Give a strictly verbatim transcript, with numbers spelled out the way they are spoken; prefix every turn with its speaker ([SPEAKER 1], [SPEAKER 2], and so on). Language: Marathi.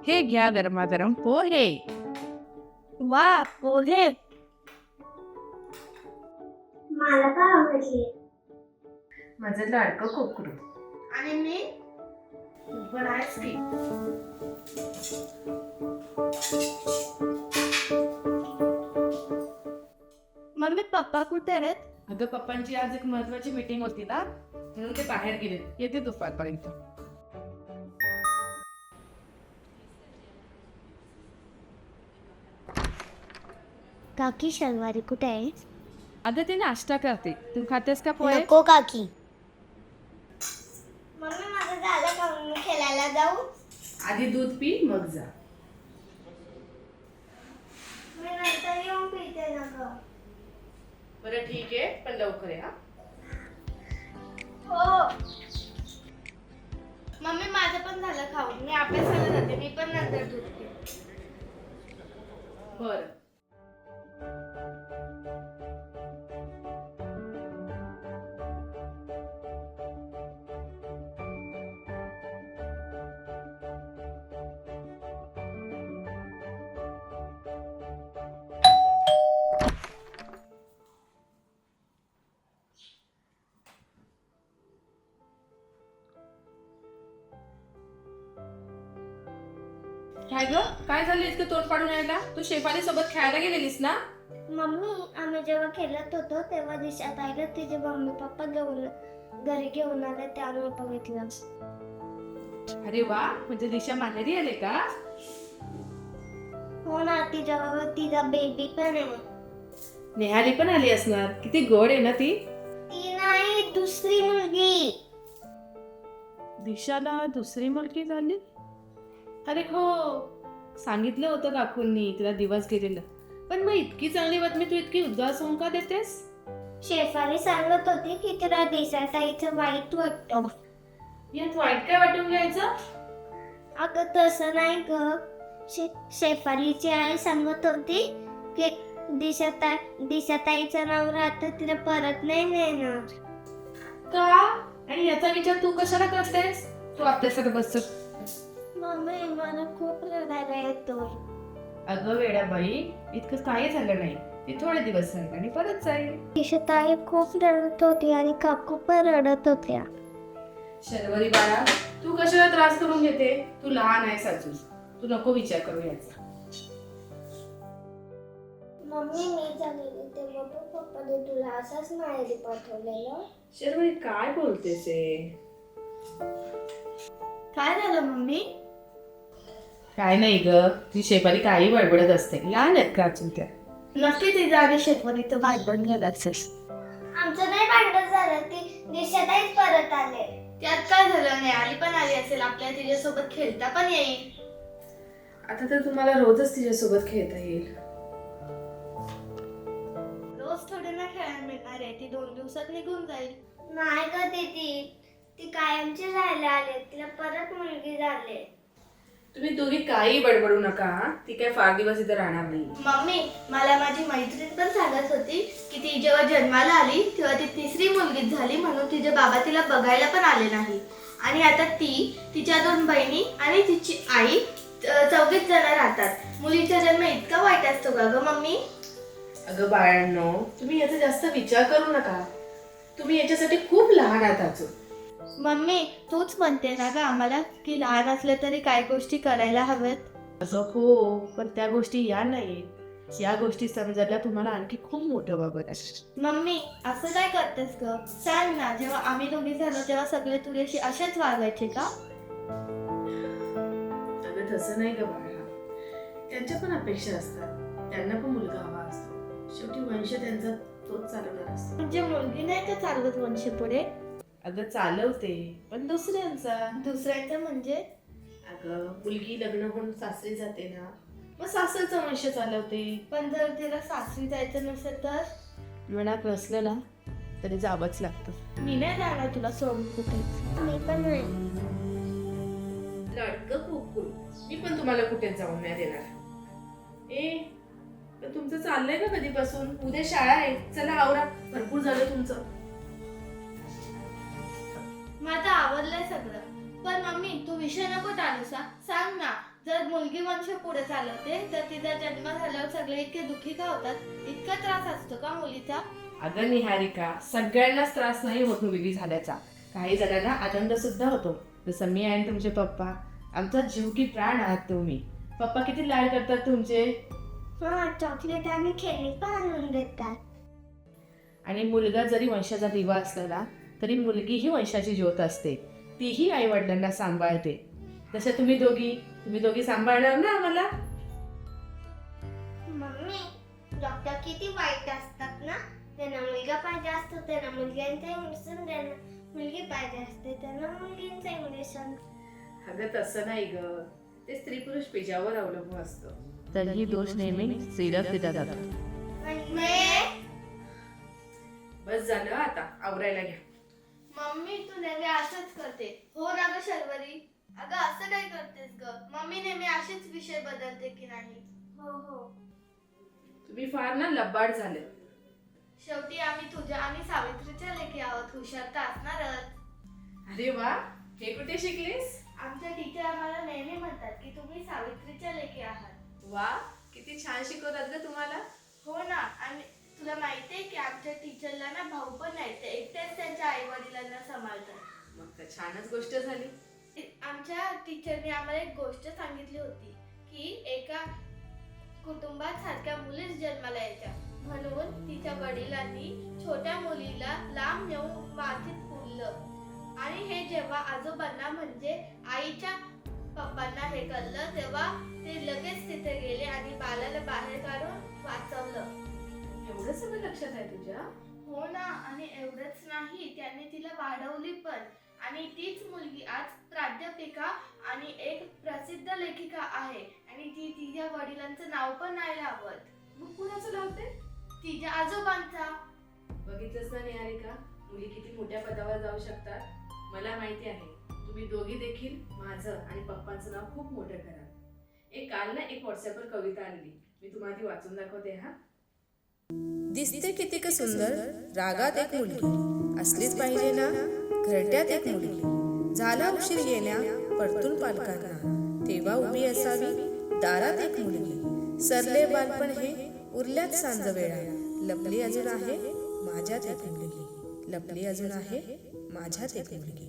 [SPEAKER 1] हे घ्या गरमागरम पोहे.
[SPEAKER 2] वा पोहे.
[SPEAKER 3] मला का आवडली?
[SPEAKER 1] माझं लाडकं कोकरू.
[SPEAKER 2] आणि मी
[SPEAKER 1] तू पण आहेस की.
[SPEAKER 2] मम्मी पप्पा कुठे आहेत?
[SPEAKER 1] अगं पप्पांची आज एक महत्वाची मीटिंग होती ना, म्हणून ते बाहेर गेले. येते दुपारपर्यंत.
[SPEAKER 3] काकी शनिवारी कुठे आहे?
[SPEAKER 1] अगं ते नाश्ता करते. तू खातेस का पोहे?
[SPEAKER 3] नको काकी. मम्मी माझं झालं का? मी खेळायला जाऊ?
[SPEAKER 1] आधी दूध पी मग जा.
[SPEAKER 3] मी नंतर येऊन पिते ना ग.
[SPEAKER 1] बरं ठीक आहे, पण लवकर या.
[SPEAKER 3] हो.
[SPEAKER 2] मम्मी माझं पण झालं खाऊन. मी अभ्यासाला जाते. मी पण नंतर दूध पिते.
[SPEAKER 1] बरं. काय ग, काय झालं इतकं तोंड पाडून यायला? तू शेफाली सोबत खेळायला गेलेलीस ना?
[SPEAKER 3] मम्मी आम्ही जेव्हा खेळत होतो तेव्हा दिशात आईला तिचे मम्मी पप्पा घेऊन घरी घेऊन आले त्यामुळे बघितलं.
[SPEAKER 1] अरे वा, म्हणजे दिशा माहेरी आले का?
[SPEAKER 3] हो ना, तिच्या तिचा बेबी पण आहे.
[SPEAKER 1] नेहाली पण आली असणार. किती गोड आहे ना ती.
[SPEAKER 3] ती नाही, दुसरी मुलगी.
[SPEAKER 1] दिशाला दुसरी मुलगी झाली? अरे हो, सांगितलं होतं काकूंनी तिला दिवस गेलेलं. पण मग इतकी चांगली बातमी तू इतकी उदास होऊन का देतेस?
[SPEAKER 3] शेफाली सांगत होती की तिला दिसायला ताईचं वाईट वाटतं.
[SPEAKER 1] यात वाईट काय वाटून घ्यायचं?
[SPEAKER 3] अगं तसं नाही ग. शे शेफालीची आई सांगत होती की दिशाताई दिशाताईचं नाव राहतं तिला परत नाही मिळणार.
[SPEAKER 1] का? आणि याचा विचार तू कशाला करतेस? तू आपल्यासाठी बस.
[SPEAKER 3] मम्मी मला खूप रडायला येतो.
[SPEAKER 1] अगं वेडा बाई, इतकं काही झालं नाही. ती थोडे दिवस राहील आणि परत जाईल.
[SPEAKER 3] दिशाताई खूप रडत होती आणि काकू पण रडत होत्या.
[SPEAKER 1] शर्वरी बाळा, तू कशाला त्रास करून घेते? तू लहान आहेस अजून. तू नको विचार करू याचा.
[SPEAKER 3] मम्मी मी झालेली तेव्हा पण पप्पाने तुला असंच माहेरी पाठवलेलं.
[SPEAKER 1] शर्वरी काय बोलतेस हे?
[SPEAKER 2] काय झालं मम्मी?
[SPEAKER 1] काय नाही ग, ती शेफाली काही बडबडत असते. लहान आहेत का अजून त्या?
[SPEAKER 2] नक्की तिच्या आधी शेतवणी तर भांडण गेलं असेल.
[SPEAKER 3] आमचं नाही भांडण झालं, ती दिशाताईच परत आले.
[SPEAKER 2] त्यात काय झालं नाही, आली पण आली असेल. आपल्या तिच्यासोबत खेळता पण येईल.
[SPEAKER 1] आता तर तुम्हाला रोजच तिच्यासोबत खेळता येईल.
[SPEAKER 2] रोज थोडे ना खेळायला मिळणार आहे. ती दोन दिवसात निघून जाईल.
[SPEAKER 3] नाही ग दीदी, ती कायमची राहायला आले. तिला परत मुलगी झाले.
[SPEAKER 1] तुम्ही दोघी काही बडबडू नका हा? ती काय फार दिवस इथे राहणार नाही.
[SPEAKER 2] मम्मी मला माझी मैत्रीण पण सांगत होती की ती जेव्हा जन्माला आली तेव्हा ती तिसरी मुलगी झाली, म्हणून तिचे बाबा तिला बघायला पण आले नाही. आणि आता ती, तिच्या दोन बहिणी आणि तिची आई चौघीच जण राहतात. मुलीचा जन्म इतका वाईट असतो का ग मम्मी?
[SPEAKER 1] अगं बाळांनो, तुम्ही याचा जास्त विचार करू नका. तुम्ही याच्यासाठी खूप लहान आहात अजून.
[SPEAKER 2] मम्मी तूच म्हणते ना ग आम्हाला की लहान असलं तरी काही गोष्टी करायला हव्यात.
[SPEAKER 1] असं हो, पण त्या गोष्टी या नाही. या गोष्टी समजायला तुम्हाला आणखी खूप मोठं बाबत आहे.
[SPEAKER 2] मम्मी असं काय करतेस ग? सांग ना, जेव्हा आम्ही दोघी झालो तेव्हा सगळे तुझ्याशी असेच वागायचे का?
[SPEAKER 1] अगं तसं नाही ग बाळा. त्यांच्या पण अपेक्षा असतात. त्यांना पण मुलगा हवा असतो. शेवटी वंश त्यांचा तोच चालवणार असतो.
[SPEAKER 2] म्हणजे मुलगी नाही का चालवत वंश पुढे?
[SPEAKER 1] अगं चालवते, पण दुसऱ्यांचा.
[SPEAKER 2] दुसऱ्यांचं म्हणजे?
[SPEAKER 1] अगं मुलगी लग्न होऊन सासरी जाते ना, मग सासरचा वंश चालवते.
[SPEAKER 2] पण जर तिला सासरी जायचं नसेल तर?
[SPEAKER 1] मनात नसलं ना तरी जावंच लागतं.
[SPEAKER 2] मी नाही जाणार तुला सोडून कुठे.
[SPEAKER 3] मी पण नाही.
[SPEAKER 1] लडकं कुकू, मी पण तुम्हाला कुठेच जाऊन नाही देणार. ए, पण तुमचं चाललंय का कधीपासून? उद्या शाळा आहे. चला आवरा, भरपूर झालं तुमचं.
[SPEAKER 2] माझं आवडलंय सगळं. पण मम्मी तू विषय नको टाळूस हा. सांग ना, जर मुलगी वंश पुढे चालवते तर तिचा जन्म झाल्यावर सगळे इतके दुःखी का होतात? इतका त्रास असतो का मुलीचा?
[SPEAKER 1] अगं निहारिका, सगळ्यांनाच त्रास नाही होत मुलगी झाल्याचा. काही जणांना आनंद सुद्धा होतो. जसं मी आणि तुमचे पप्पा. आमचा जीव की प्राण आहात तुम्ही. पप्पा किती लाड करतात तुमचे.
[SPEAKER 3] हा, चॉकलेट आणि खेळणी पण आणून देतात.
[SPEAKER 1] आणि मुलगा जरी वंशाचा दिवा असला तरी मुलगी ही वंशाची ज्योत असते. तीही आई वडिलांना सांभाळते. तसं तुम्ही दोघी तुम्ही दोघी सांभाळणार ना आम्हाला.
[SPEAKER 3] मम्मी, डॉक्टर किती वाईट असतात ना. त्यांना मुलगा पाहिजे असतो त्यांना मुलग्यांचं इंजेक्शन देणं, मुलगी पाहिजे असते त्यांना मुलगींचं इंजेक्शन.
[SPEAKER 1] अगं तसं नाही ग, ते स्त्री पुरुष पेजावर अवलंबून असतं. तर ही दोष नेहमी स्त्रीलाच दिला जातो.
[SPEAKER 2] म्हणजे
[SPEAKER 1] बस झालं, आता आवरायला घ्या.
[SPEAKER 2] मम्मी तू नेहमी असंच करते. हो ना ग शर्वरी? अगं असं काय करतेस ग? मम्मी नेहमी असेच विषय बदलते की नाही?
[SPEAKER 3] हो हो.
[SPEAKER 1] तुम्ही फार ना लबाड झाले.
[SPEAKER 2] शेवटी आम्ही तुझ्या आणि सावित्रीच्या लेकी आहोत. हुशार तर असणारच.
[SPEAKER 1] अरे वा, हे कुठे शिकलीस?
[SPEAKER 2] आमच्या टीचर आम्हाला नेहमी म्हणतात की तुम्ही सावित्रीच्या लेकी आहात.
[SPEAKER 1] वा, किती छान शिकवतात ग तुम्हाला.
[SPEAKER 2] हो ना. आणि तुला माहितीये की आमच्या टीचरला ना भाऊ पण नाही, ते एकटेच त्यांच्या आई वडिलांना सांभाळतात.
[SPEAKER 1] मग तर छानच गोष्ट झाली.
[SPEAKER 2] आमच्या टीचरने आम्हाला एक गोष्ट सांगितली होती की एका कुटुंबात सारख्या मुलीच जन्माला यायच्या. म्हणून तिच्या वडिलांनी छोट्या मुलीला लांब नेऊन मातीत पुरलं. आणि हे जेव्हा आजोबांना म्हणजे आईच्या पप्पांना हे कळलं तेव्हा ते लगेच तिथे गेले आणि बालाला बाहेर काढून वाचवलं.
[SPEAKER 1] एवढं सगळं लक्षात आहे तुझ्या.
[SPEAKER 2] हो ना. आणि एवढंच नाही, त्यांनी तिला वाढवली पण. आणि तीच मुलगी आज प्राध्यापिका आणि एक प्रसिद्ध लेखिका आहे. आणि ती तिच्या वडिलांचं नाव पण नाही लावत.
[SPEAKER 1] मग कुणाचं लावते?
[SPEAKER 2] तिच्या आजोबांचा.
[SPEAKER 1] बघितलंच ना निहारिका, मुली किती मोठ्या पदावर जाऊ शकतात. मला माहिती आहे, तुम्ही दोघी देखील माझं आणि पप्पांचं नाव खूप मोठं करा. एक काल ना एक व्हॉट्सअपवर कविता आलेली, मी तुम्हाला ती वाचून दाखवते. हा,
[SPEAKER 4] दिसते कितीक सुंदर रागात एक मुलगी, असलीच पाहिजे ना घरट्यात एक मुलगी. झाला उशीर येण्या परतून पालकांना, तेव्हा उभी असावी दारात एक मुलगी. सरले बालपण हे उरल्यात सांज वेळा, लपली अजून आहे माझ्यात एक मुलगी. लपली अजून आहे माझ्यात एक मुलगी.